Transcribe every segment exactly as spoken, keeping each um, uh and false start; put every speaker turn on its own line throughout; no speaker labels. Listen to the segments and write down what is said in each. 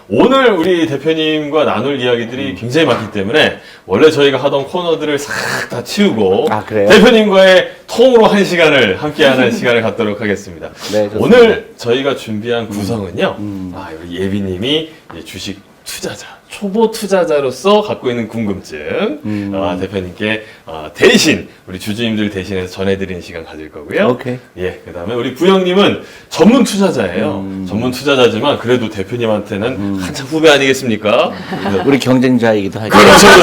오늘 우리 대표님과 나눌 이야기들이 굉장히 많기 때문에 원래 저희가 하던 코너들을 싹 다 치우고
아, 그래요?
대표님과의 통으로 한 시간을 함께하는 시간을 갖도록 하겠습니다.
네, 좋습니다.
오늘 저희가 준비한 구성은요.
음.
아, 우리 예비님이 이제 주식 투자자, 초보 투자자로서 갖고 있는 궁금증
음.
아, 대표님께 어, 대신 우리 주주님들 대신해서 전해드리는 시간 가질 거고요.
오케이.
예, 그다음에 우리 부영님은 전문 투자자예요.
음.
전문 투자자지만 그래도 대표님한테는 한참 후배 아니겠습니까? 그래서
우리 경쟁자이기도 하죠.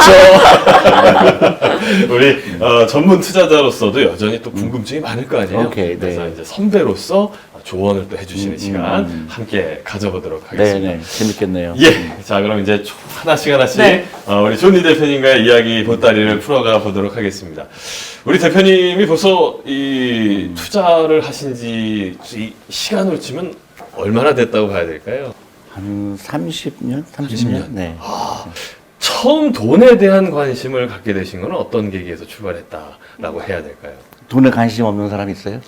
그렇죠, 그렇죠. 우리 어, 전문 투자자로서도 여전히 또 궁금증이 많을 거 아니에요.
오케이, 네.
그래서 이제 선배로서 조언을 또 해주시는
음,
시간
음.
함께 가져보도록 하겠습니다.
네네, 재밌겠네요.
예, 자 그럼 이제 초- 하나씩 하나씩
네.
어, 우리 존니 대표님과의 이야기 보따리를 풀어가 보도록 하겠습니다. 우리 대표님이 벌써 이 투자를 하신지 이 시간으로 치면 얼마나 됐다고 봐야 될까요?
한 삼십 년? 삼십
삼십
년?
년?
네.
처음 돈에 대한 관심을 갖게 되신 건 어떤 계기에서 출발했다라고 해야 될까요?
돈에 관심 없는 사람 있어요?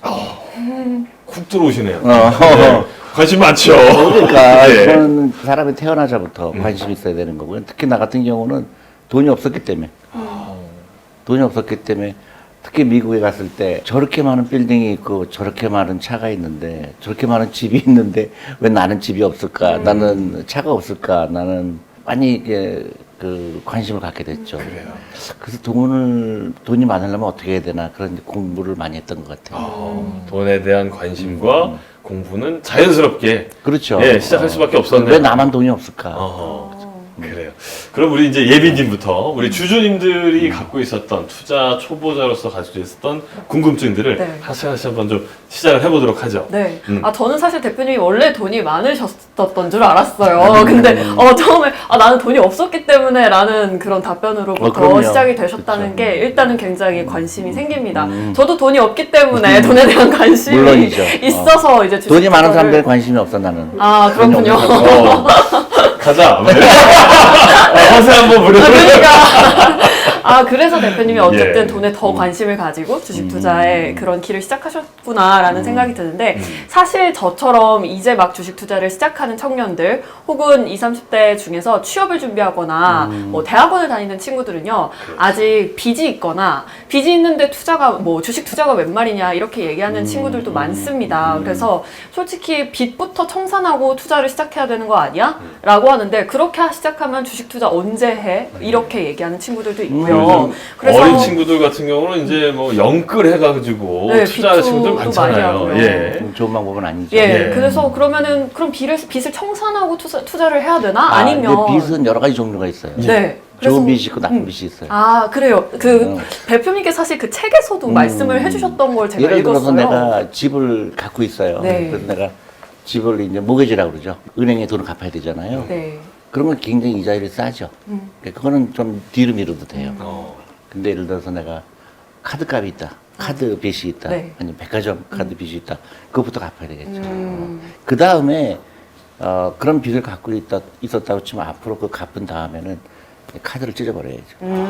훅 들어오시네요.
어.
네, 관심 많죠.
그러니까
예.
저는 사람이 태어나자부터 관심이 있어야 되는 거고요. 특히 나 같은 경우는 돈이 없었기 때문에 돈이 없었기 때문에 특히 미국에 갔을 때 저렇게 많은 빌딩이 있고 저렇게 많은 차가 있는데 저렇게 많은 집이 있는데 왜 나는 집이 없을까? 나는 차가 없을까? 나는 많이 이게 그 관심을 갖게 됐죠.
그래요.
그래서 돈을 돈이 많으려면 어떻게 해야 되나 그런 공부를 많이 했던 것 같아요.
어, 돈에 대한 관심과 공부는 자연스럽게
그렇죠.
예, 시작할 수밖에 없었네요.
왜 나만 돈이 없을까?
어허, 그래요. 그럼 우리 이제 예비님부터 우리 주주님들이 갖고 있었던 투자 초보자로서 가지고 있었던 궁금증들을
네.
하나씩 하나씩 한번 좀 시작을 해보도록 하죠.
네.
음.
아, 저는 사실 대표님이 원래 돈이 많으셨던 줄 알았어요. 근데, 어, 처음에, 아, 나는 돈이 없었기 때문에 라는 그런 답변으로부터
어, 그럼요.
시작이 되셨다는
그쵸.
게 일단은 굉장히 관심이 생깁니다. 저도 돈이 없기 때문에 돈에 대한 관심이
물론이죠.
있어서 이제 주식
돈이 많은
투자를-
사람들은 관심이 없어 나는.
아, 그렇군요.
어, 가자. 허세 한번 부려.
아, 그러니까. 아, 그래서 대표님이 어쨌든
예.
돈에 더 관심을 가지고 주식 투자에 그런 길을 시작하셨구나라는 생각이 드는데, 사실 저처럼 이제 막 주식 투자를 시작하는 청년들, 혹은 이십, 삼십 대 중에서 취업을 준비하거나, 뭐 대학원을 다니는 친구들은요, 아직 빚이 있거나, 빚이 있는데 투자가, 뭐 주식 투자가 웬 말이냐, 이렇게 얘기하는 친구들도 많습니다. 그래서 솔직히 빚부터 청산하고 투자를 시작해야 되는 거 아니야? 라고 하는데, 그렇게 시작하면 주식 투자 언제 해? 이렇게 얘기하는 친구들도 있고요.
요즘
그래서
어린 친구들 같은 경우는 이제 뭐 영끌 해가지고
네,
투자하는 친구들
빚도 많이
많잖아요.
하고요.
예.
좋은 방법은 아니죠.
예,
예.
그래서 그러면은 그럼 빚을, 빚을 청산하고 투자, 투자를 해야 되나?
아,
아니면
근데 빚은 여러 가지 종류가 있어요.
네.
좋은 빚이 있고 나쁜 빚이 있어요.
아, 그래요. 그
어.
대표님께 사실 그 책에서도 말씀을 해주셨던 걸 제가
예를 들어서
읽었어요.
내가 집을 갖고 있어요.
네.
그래서 내가 집을 이제 모기지라고 그러죠. 은행에 돈을 갚아야 되잖아요.
네.
그런 건 굉장히 이자율이 싸죠.
음.
그러니까 그거는 좀 뒤로 미뤄도 돼요.
어.
근데 예를 들어서 내가 카드값이 있다. 카드 빚이 있다.
네.
아니면 백화점 카드 빚이 있다. 그것부터 갚아야 되겠죠.
음.
그 다음에 어, 그런 빚을 갖고 있다, 있었다고 치면 앞으로 그 갚은 다음에는 카드를 찢어버려야죠.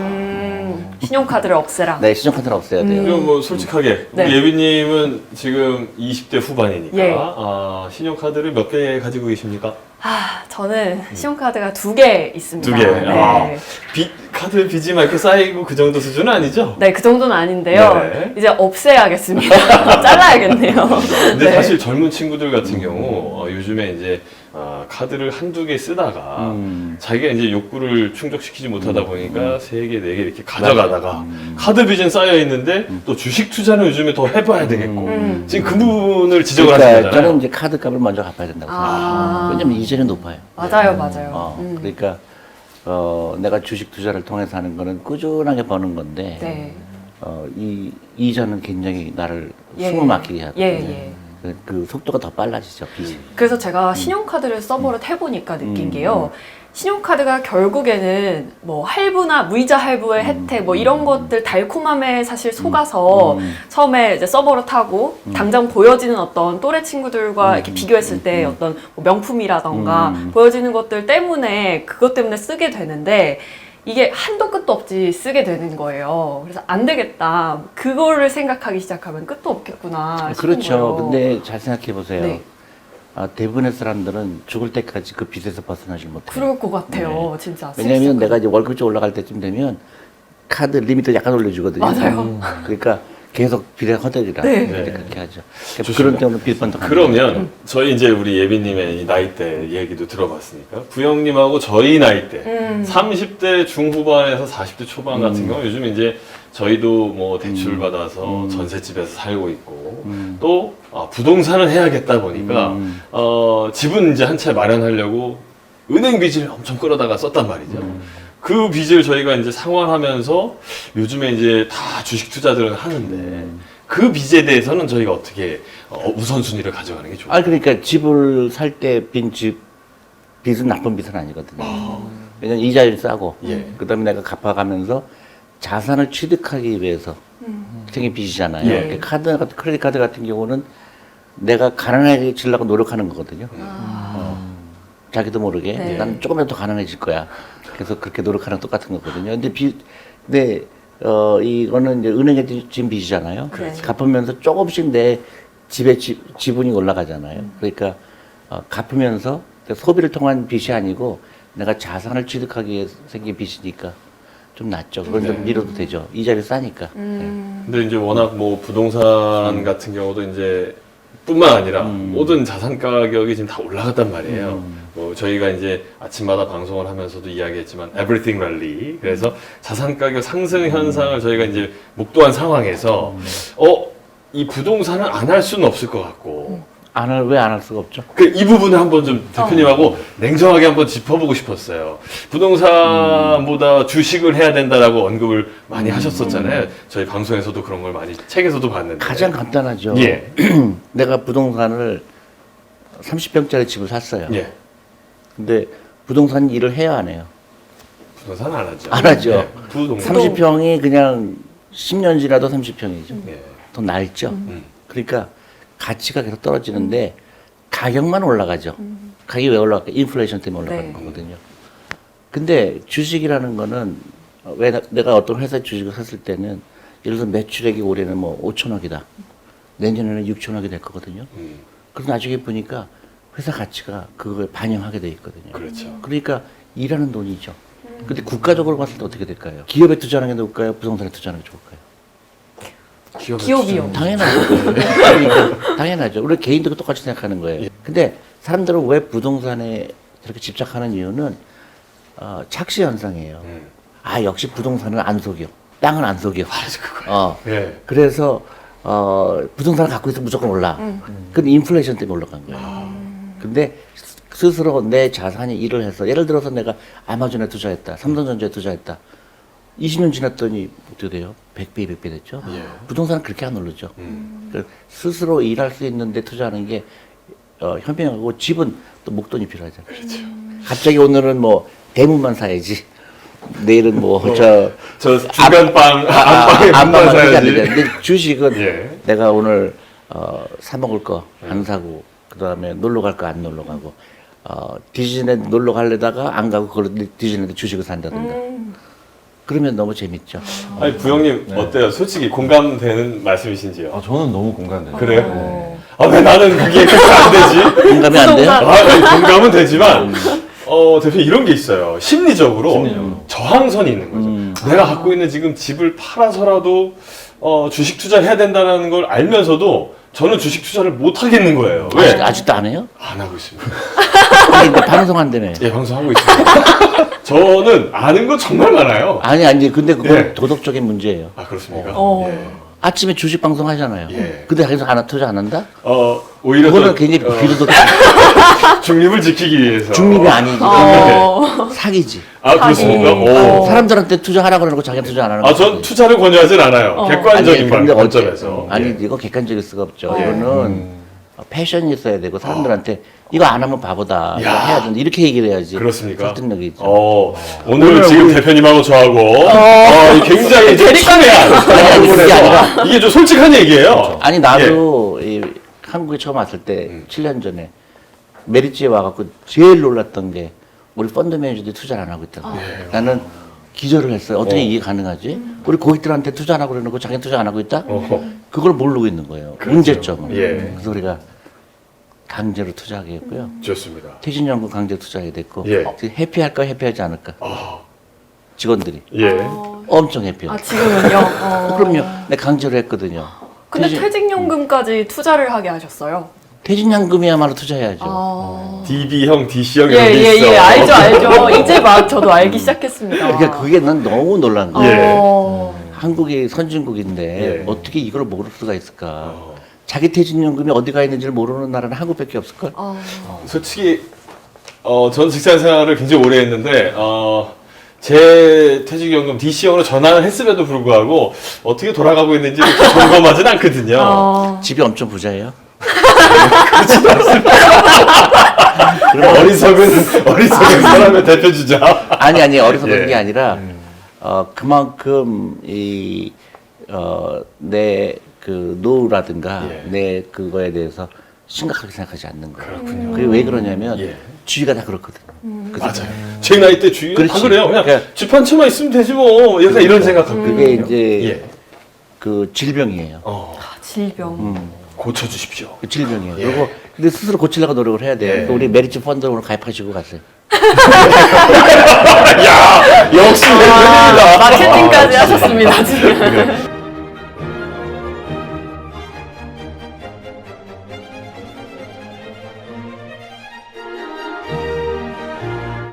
음, 신용카드를 없애라.
네, 신용카드는 없애야 돼요.
그럼 뭐 솔직하게
네.
우리 예비님은 지금 이십 대 후반이니까
예.
아, 신용카드를 몇 개 가지고 계십니까?
아, 저는 신용카드가 두 개 있습니다.
두 개.
네.
아, 빚, 카드 빚이 막 이렇게 쌓이고 그 정도 수준은 아니죠?
네, 그 정도는 아닌데요.
네.
이제 없애야겠습니다. 잘라야겠네요.
근데
네.
사실 젊은 친구들 같은 경우 어, 요즘에 이제 어, 카드를 한두 개 쓰다가
음.
자기가 이제 욕구를 충족시키지 못하다 보니까 세 개, 네 개 이렇게 가져가다가 카드 빚은 쌓여 있는데 또 주식 투자는 요즘에 더 해봐야 되겠고
음.
지금 그 부분을 지적을
그러니까
하시는 거잖아요.
저는 이제 카드 값을 먼저 갚아야 된다고 생각해요.
아.
왜냐면 이자는 높아요.
맞아요, 맞아요.
어,
음.
그러니까 어, 내가 주식 투자를 통해서 하는 거는 꾸준하게 버는 건데
네.
어, 이 이자는 굉장히 나를
예.
숨을 막히게 하거든요.
예, 예.
그, 그 속도가 더 빨라지죠, 빚이.
그래서 제가 신용카드를 써버릇 해보니까 느낀
음.
게요. 신용카드가 결국에는 뭐 할부나 무이자 할부의 혜택 뭐 이런 것들 달콤함에 사실 속아서
음.
처음에 이제 써버릇하고 당장 보여지는 어떤 또래 친구들과 이렇게 비교했을 때 어떤 뭐 명품이라던가
음.
보여지는 것들 때문에 그것 때문에 쓰게 되는데 이게 한도 끝도 없이 쓰게 되는 거예요. 그래서 안 되겠다. 그거를 생각하기 시작하면 끝도 없겠구나 싶은
그렇죠.
거예요.
근데 잘 생각해 보세요.
네.
아, 대부분의 사람들은 죽을 때까지 그 빚에서 벗어나질 못해요.
그럴 것 같아요, 진짜.
왜냐하면
스트레스가.
내가 이제 월급이 좀 올라갈 때쯤 되면 카드 리미트 약간 올려주거든요.
맞아요.
음. 그러니까 계속 빚에 허덕이라
네.
이제
네.
그렇게 하죠.
좋습니다.
그런 때문에 빚번덕.
그러면 저희 이제 우리 예비님의 이 나이대 얘기도 들어봤으니까 부영님하고 저희 나이대
음.
삼십 대 중후반에서 사십 대 초반 같은 경우 요즘 이제 저희도 뭐 대출 받아서 전셋집에서 살고 있고 또 아, 부동산을 해야겠다 보니까
음.
어, 집은 이제 한 채 마련하려고 은행 빚을 엄청 끌어다가 썼단 말이죠. 그 빚을 저희가 이제 상환하면서 요즘에 이제 다 주식 투자들은 하는데 그 빚에 대해서는 저희가 어떻게 어, 우선순위를 가져가는 게 좋을까요?
아 그러니까 집을 살 때 빈 집 빚은 나쁜 빚은 아니거든요. 왜냐면 이자율이 싸고
예.
그다음에 내가 갚아가면서 자산을 취득하기 위해서 생긴 빚이잖아요.
예.
그러니까 카드 같은 크레딧 카드 같은 경우는 내가 가난해지려고 노력하는 거거든요. 어. 자기도 모르게
네.
난 조금이라도 더 가난해질 거야. 그래서 그렇게 노력하는 똑같은 거거든요. 근데 빚, 근데 어 이거는 이제 은행에 진 빚이잖아요.
그렇죠.
갚으면서 조금씩 내 집에 지, 지분이 올라가잖아요. 그러니까 어, 갚으면서 소비를 통한 빚이 아니고 내가 자산을 취득하기 위해 생긴 빚이니까 좀 낫죠. 그건 좀
네.
미뤄도 되죠. 이자율이 싸니까.
음.
근데 이제 워낙 뭐 부동산 같은 경우도 이제 뿐만 아니라
음.
모든 자산 가격이 지금 다 올라갔단 말이에요. 뭐 저희가 이제 아침마다 방송을 하면서도 이야기했지만 everything rally. 그래서 자산 가격 상승 현상을 저희가 이제 목도한 상황에서 어, 이 부동산은 안 할 수는 없을 것 같고
안 할, 왜 안 할 수가 없죠?
그 이 부분을 한번 좀 대표님하고 냉정하게 한번 짚어보고 싶었어요. 부동산보다 주식을 해야 된다라고 언급을 많이 하셨었잖아요. 저희 방송에서도 그런 걸 많이 책에서도 봤는데.
가장 간단하죠.
예.
내가 부동산을 삼십 평짜리 집을 샀어요.
예.
근데 부동산 일을 해야 안 해요.
부동산 안 하죠.
안 하죠.
예. 부동산.
삼십 평이 그냥 십 년 지나도 삼십 평이죠.
예.
더 낡죠.
음.
그러니까 가치가 계속 떨어지는데 가격만 올라가죠. 가격이 왜 올라갈까? 인플레이션 때문에 올라가는
네.
거거든요. 근데 주식이라는 거는 왜 나- 내가 어떤 회사 주식을 샀을 때는 예를 들어 매출액이 올해는 뭐 오천억이다. 내년에는 육천억이 될 거거든요.
음.
그래서 나중에 보니까 회사 가치가 그걸 반영하게 돼 있거든요.
그렇죠.
그러니까 일하는 돈이죠. 근데 국가적으로 봤을 때 어떻게 될까요? 기업에 투자하는 게 좋을까요? 부동산에 투자하는 게 좋을까요?
기업의
기업이요.
투자는-
당연하죠. 그러니까 당연하죠. 우리 개인도 똑같이 생각하는 거예요.
예.
근데 사람들은 왜 부동산에 저렇게 집착하는 이유는 어, 착시 현상이에요.
음.
아 역시 부동산은 안 속여. 땅은 안 속여.
맞아, 그거.
어.
예.
그래서 어, 부동산을 갖고 있으면 무조건 올라. 근데 인플레이션 때문에 올라간 거예요.
아.
근데 스스로 내 자산이 일을 해서 예를 들어서 내가 아마존에 투자했다. 삼성전자에 투자했다. 이십 년 지났더니 어떻게 돼요? 백 배, 이백 배 됐죠?
예.
부동산은 그렇게 안 오르죠.
음.
그래서 스스로 일할 수 있는데 투자하는 게 어, 현명하고 집은 또 목돈이 필요하잖아요.
그렇죠.
갑자기 오늘은 뭐 대문만 사야지. 내일은 뭐 저
저 중간빵
아,
안방에
안방만
문만
사지
사야지.
않는데 근데 주식은
예.
내가 오늘 어, 사 먹을 거 안 사고 그다음에 놀러 갈 거 안 놀러 가고 어, 디즈니랜드 놀러 가려다가 안 가고 그걸 디즈니랜드 주식을 산다든가
음.
그러면 너무 재밌죠.
아니 부영님 어때요? 솔직히 공감되는 말씀이신지요?
아, 저는 너무 공감돼요.
그래요?
어.
아 왜 나는 그게 그렇게 안 되지?
공감이 안 돼요?
부동산.
아, 아니, 공감은 되지만 어 대표 이런 게 있어요. 심리적으로,
심리적으로.
저항선이 있는 거죠.
음.
내가 갖고 있는 지금 집을 팔아서라도 어, 주식 투자를 해야 된다는 걸 알면서도 저는 주식 투자를 못 하겠는 거예요. 왜?
아직, 아직도 안 해요?
안 하고 있습니다.
아니, 근데 방송한다며.
예, 방송하고 있습니다. 저는 아는 거 정말 많아요.
아니 아니 근데 그건
예.
도덕적인 문제예요.
아 그렇습니까?
어.
예.
아침에 주식 방송 하잖아요.
예.
근데 거기서 안 투자 안 한다?
어 오히려
그거는
더,
굉장히
어,
비도덕
중립을 지키기 위해서.
중립이 아니지.
어.
사기지.
아 그렇습니까?
하긴.
오.
어.
사람들한테 투자하진 그러고 자기가 투자 안 하는
아,
거지.
전 투자를 권유하진 않아요.
어.
객관적인
아니,
관-
근데 어째-
관점에서.
아니
예.
이거 객관적일 수가 없죠.
예.
이거는 패션이 있어야 되고 사람들한테 이거 안 하면 바보다. 이거
야.
해야 된다. 이렇게 얘기를 해야지.
그렇습니까?
설득력이 있죠.
어, 오늘,
오늘
지금
우리-
대표님하고 저하고 어, 이 굉장히 좀 첨예한
아니, 그게
부분에서
아니라-
이게 좀 솔직한 얘기예요.
아니 나도 이 한국에 처음 왔을 때
음.
칠 년 전에 메리츠에 와갖고 제일 놀랐던 게 우리 펀드 매니저들이 투자를 안 하고 있다고. 나는 기절을 했어요. 어떻게
어.
이게 가능하지? 우리 고객들한테 투자 안 하고 그러는 거 자기는 투자 안 하고 있다?
어.
그걸 모르고 있는 거예요.
그렇죠.
문제점을.
예.
그래서 우리가 강제로 투자하게 했고요.
좋습니다.
퇴직연금 강제 투자하게 됐고
예.
어, 해피할까 해피하지 않을까
아,
직원들이
예.
어,
엄청 해피해요.
아 지금은요? 어.
그럼요. 내 강제로 했거든요.
근데
퇴직-
퇴직연금까지 투자를 하게 하셨어요?
퇴직연금이야말로 투자해야죠.
아.
디비형, 디씨형 이런
예,
게
예,
있어.
예, 알죠, 알죠. 이제 막 저도 알기 시작했습니다.
그러니까 그게 난 너무 놀란 거예요.
예.
어.
한국이 선진국인데
예.
어떻게 이걸 모를 수가 있을까?
어.
자기 퇴직연금이 어디 가 있는지를 모르는 나라는 한국밖에 없을걸?
어.
솔직히 어, 전 직장 생활을 굉장히 오래 했는데 어, 제 퇴직연금 디씨형으로 전환을 했음에도 불구하고 어떻게 돌아가고 있는지 이렇게 점검하진 않거든요.
어.
집이 엄청 부자예요.
어리석은 어리석은 사람의 대표 주자.
아니 아니 어리석은
예.
게 아니라 어 그만큼 이 어 내 그 노후라든가
예.
내 그거에 대해서 심각하게 생각하지 않는 거예요.
그렇군요.
그게 왜 그러냐면
예.
주위가 다 그렇거든. 그래서
맞아요. 제 나이 때 주위가 다
그렇지.
그래요. 그냥
그러니까-
집 한 채만 있으면 되지 뭐. 약간 이런 생각하거든요.
그게 이제
예.
그 질병이에요.
어,
아, 질병.
음,
고쳐주십시오.
그 질병이에요.
예.
그리고 근데 스스로 고치려고 노력을 해야 돼요.
예.
그러니까 우리 메리츠 펀드 오늘 가입하시고 가세요.
야, 역시
아,
대표님이다.
마케팅까지 하셨습니다, 지금.